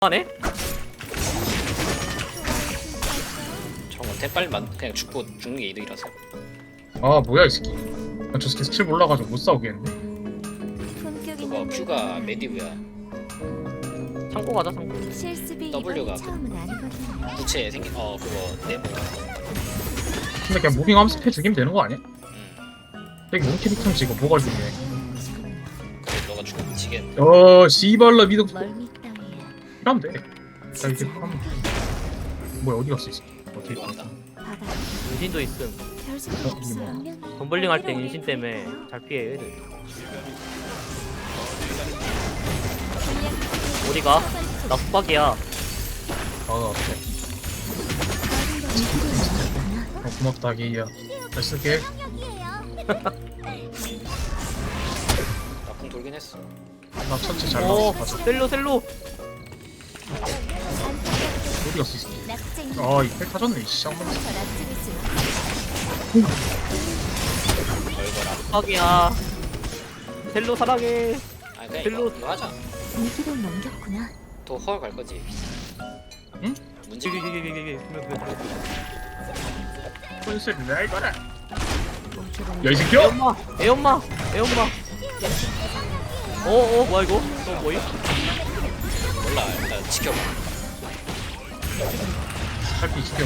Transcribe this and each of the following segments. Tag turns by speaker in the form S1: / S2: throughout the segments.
S1: 하네?
S2: 저런 대빨만 그냥 죽고 죽는 게 이득이라서.
S3: 아 뭐야 이 새끼. 아, 저 새끼 스킬 몰라가지고 못 싸우겠는데.
S2: 그거 Q가 메디우야.
S1: 창고 가자 창고.
S2: W가 부채 생긴 그거 네모.
S3: 근데 그냥 무빙하면서 패 죽이면 되는 거 아니야?
S2: 응.
S3: 되게 몸 캐릭터는 지금 뭐가 중요해.
S2: 그래 너가 죽으면 지겠네.
S3: 씨발라 미덕 이러면 돼. 자 이제 하면 뭐야 어디 갔어 이 새끼. 어떻게
S2: 이거 한다.
S1: 인신도 있음.
S3: 이게 뭐야.
S1: 덤블링 할 때 인신 때문에 잘 피해 얘들. 어디가? 나 숙박이야.
S3: 아 그래. 고맙다 게이야. 잘 쓸게.
S2: 나궁 돌긴 했어.
S3: 나 천체 잘
S1: 오,
S3: 나왔어. 맞아.
S1: 셀로.
S3: 어디 갔어 이 새끼. 아이패 타졌네 이씨. 한번
S2: 걸거라.
S1: 숙박이야. 셀로 사랑해.
S2: 아니 그냥
S1: 별로-
S2: 이거 하자.
S4: 위기를 넘겼구나.
S2: 또 헐 갈 거지.
S3: 응?
S2: 문제.
S3: 콘셉 내 이거라. 야이 새끼야.
S1: 애엄마. 뭐야 이거? 너 뭐임?
S2: 몰라 일단 지켜봐.
S3: 살피 죽여.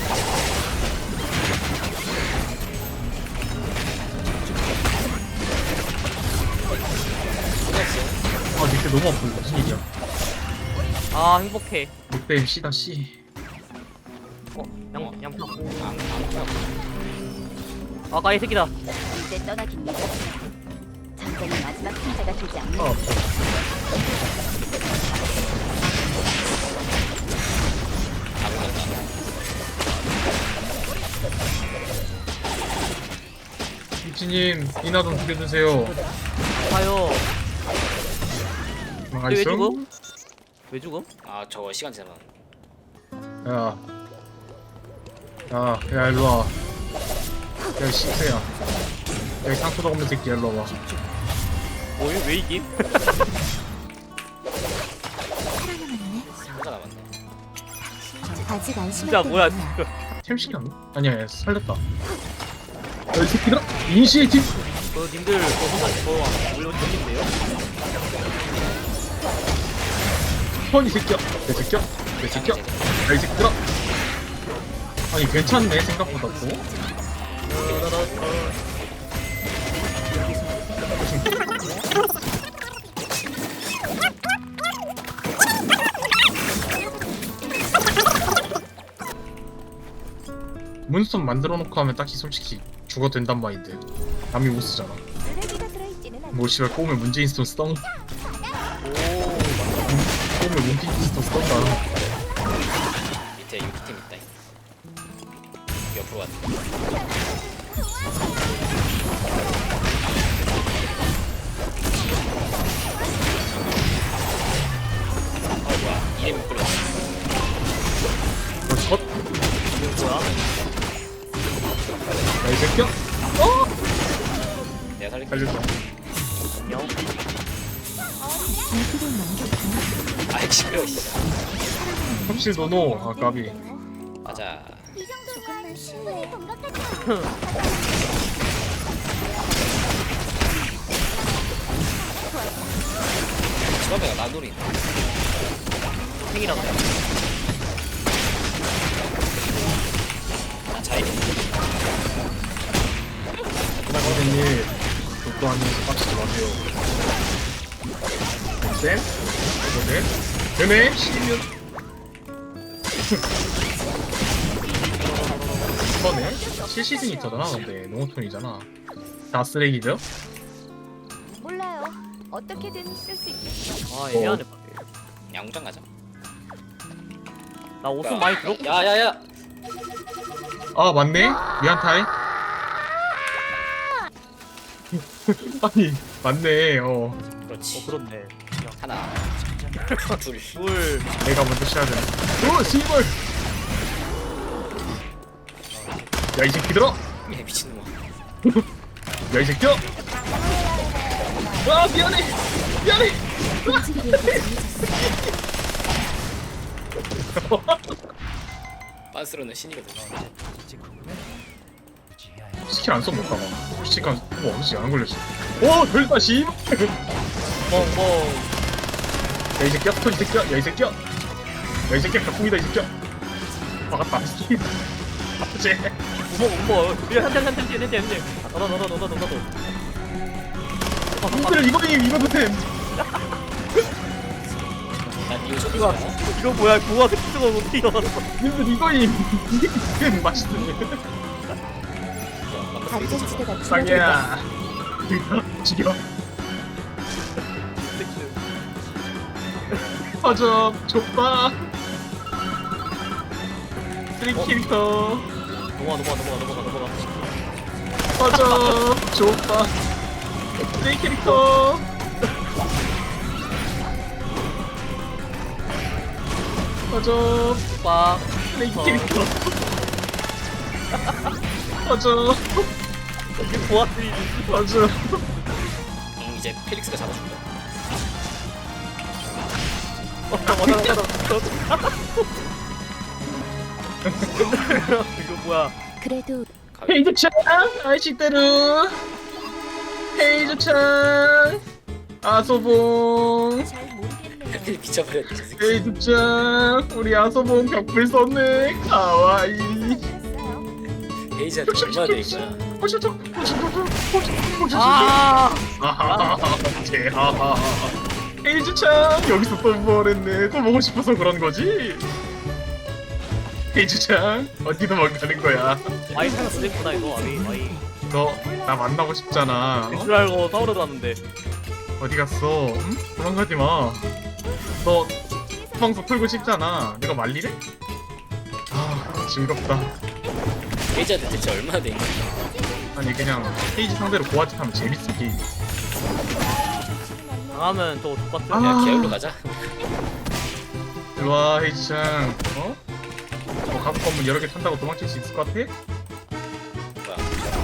S2: 끝났어.
S3: 아 늑대 너무 아프고 무슨 일이야.
S1: 아 행복해.
S3: 늑대 MC다 C.
S1: 양파.
S2: 안
S1: 아까 이 새끼다.
S4: 이제 떠나깁니다. 잠깐의 마지막 승자가 되지 않는
S3: 아 아파. 미치님 이나 좀 죽여주세요.
S1: 가요. 왜
S3: 망하겠어?
S1: 죽음? 왜 죽음?
S2: 아 저거 시간 지나면.
S3: 야, 야 일로 와. 야 씨새야. 여기 상처도 없는 새끼 일로 와.
S1: 뭐임? 왜 이김?
S4: 살아남았네.
S2: 혼자 남았네.
S4: 아직 안심할
S1: 진짜 뭐야?
S4: 때구나.
S3: 템식이었나? 아니야 살렸다. 야이 새끼들아 이니시에이티브.
S1: 님들 혼자 물론 죽인데요?
S3: 이 새끼야. 내 새끼야. 내 새끼야. 야이 새끼들아. 아니 괜찮네 생각보다 또. 문스톤 만들어 놓고 하면 딱히 솔직히 죽어도 된단 말인데 남이 못 쓰잖아.
S4: 쓰레기가 들어있지는 않.
S3: 뭐 씨발 꼬우면 문재인 스톤 쓰던 꼬우면 문재인 스톤 쓰던가.
S2: 밑에 6팀 있다. 옆으로 왔네. 뭐야 이름이 끌렸어.
S3: 컷.
S1: 이거 뭐야?
S3: 야이 새끼야.
S2: 내가 살릴게.
S3: 살려줘.
S1: 안녕.
S4: 위기를 넘겼구나.
S2: 아이 시끄러워.
S3: 섭실 노노. 아 까비.
S2: 맞아.
S4: 조금만 신뢰해 본 것 같아.
S2: 처음에가 나돌이.
S1: 생이라고.
S2: 나 차이.
S3: 선생님 독도 아니면서 빡치지 마세요. 쌤? 이거네? 되네? 12년 이거네? 7시즌 있잖아 근데 농어톤이잖아. 다 쓰레기죠?
S4: 몰라요. 어떻게든 쓸 수 있겠어.
S1: 아 애매하네.
S2: 양장 가자.
S1: 나 옷좀 많이 들어.
S2: 야야야.
S3: 아 맞네? 미안 타이. 아니 맞네.
S2: 그렇지.
S1: 그렇네.
S2: 하나. 둘.
S1: 둘.
S3: 내가 먼저 쉬어야 되네. 오 씨발. 야 이 새끼들아.
S2: 야 미친놈아.
S3: 야 이 새끼야. 아 미안해.
S4: 움직이기 전해졌어.
S2: 빤스로는 신이거든.
S3: 스킬 안 써못 가봐. 솔직한 뭐 없지 안 걸렸어. 오 별다 씨.
S1: 멍멍.
S3: 야이 새끼야 스톤 이 새끼야. 야이 새끼야. 야이 새끼야 격풍이다 이 새끼야. 막았다. 아프지.
S1: 우머. 한대. 너도.
S3: 님들 이거도 됨.
S2: 난 이거 좀
S1: 이거 이거 뭐야? 고아 스피드가 어떻게 일어났어?
S3: 님들 이거임. 이게 됨 맛있네.
S4: 안전지대가
S3: 쌍이야. 죽여. 퍼져 좁다. 쓰리 캐릭터.
S1: 넘어가.
S3: 퍼져 좁다. 쓰리 캐릭터. 퍼져
S1: 빡.
S3: 쓰리 캐릭터. 퍼져
S1: 이게 고아들이
S3: 퍼져.
S2: 이제 펠릭스가 잡아준다.
S1: 이거 뭐야?
S4: 그래도
S3: 헤이즈찬 아이시대루. 헤이즈찬 아소봉.
S4: 잘 모르겠네요.
S2: 펠 미쳐버렸네. 저 새끼.
S3: 헤이즈찬 우리 아소봉 벽불 썼네. 가와이.
S2: 헤이즈한테 얼마나 돼 있구나.
S1: 아,
S3: 아하하하 제하하하. 헤이즈찬 여기서 또 뭐랬네. 또 보고 싶어서 그런 거지. 헤이즈찬 어디 도망가는 거야.
S1: 아이 생각 쓰겠구나 이거. 아이.
S3: 너 나 만나고 싶잖아. 어?
S1: 줄 알고 싸우러 갔는데.
S3: 어디 갔어? 응? 도망가지 마. 너 방송 풀고 싶잖아. 내가 말리래? 아 즐겁다.
S2: 헤이즈한테 대체 얼마나 돼 있나?
S3: 아니 그냥 페이지 상대로 고아짓 하면 재밌어 게임.
S1: 당하면 또 똑같은.
S3: 아.
S2: 야 계열로 가자.
S3: 일로와 헤이지짱. 어? 저 가구 건물 여러 개 탄다고 도망칠 수 있을 것 같아?
S2: 뭐야?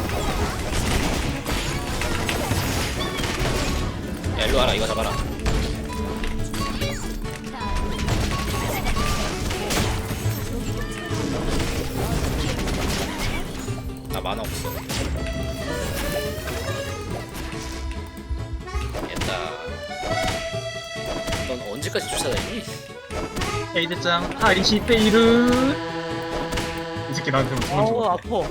S2: 야 일로 와라. 이거 잡아라. 나 만화 없어. 됐다. 넌 언제까지 쫓아다니니?
S3: 헤이지짱 아리시페이르. 이 새끼 나한테 뭐
S1: 아우
S3: 죽는 줄
S1: 아파.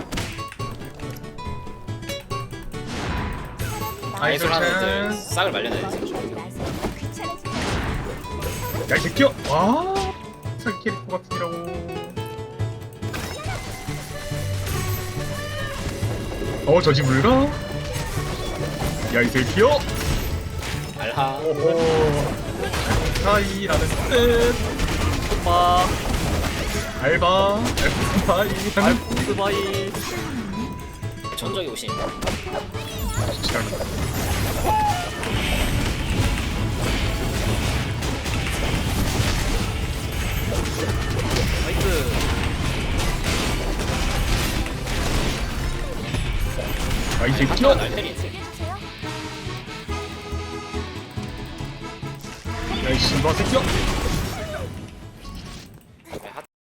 S2: 아이솔 하는 애들
S3: 아이솔찬.
S2: 싹을 말려놔야 돼.
S3: 야이 새끼야. 와 사기 캐릭터 같으라고. 저지 물가? 야이 새끼야.
S2: 알하.
S3: 오호. 사이라는 뜻.
S1: 빡.
S3: 알바. 사이라는
S1: 알프스바이.
S2: 천적이 오신.
S3: 지랄다.
S1: 나이스.
S3: 야이
S2: 한타가
S3: 새끼야.
S2: 날 때리네.
S3: 야이 신바 새끼야.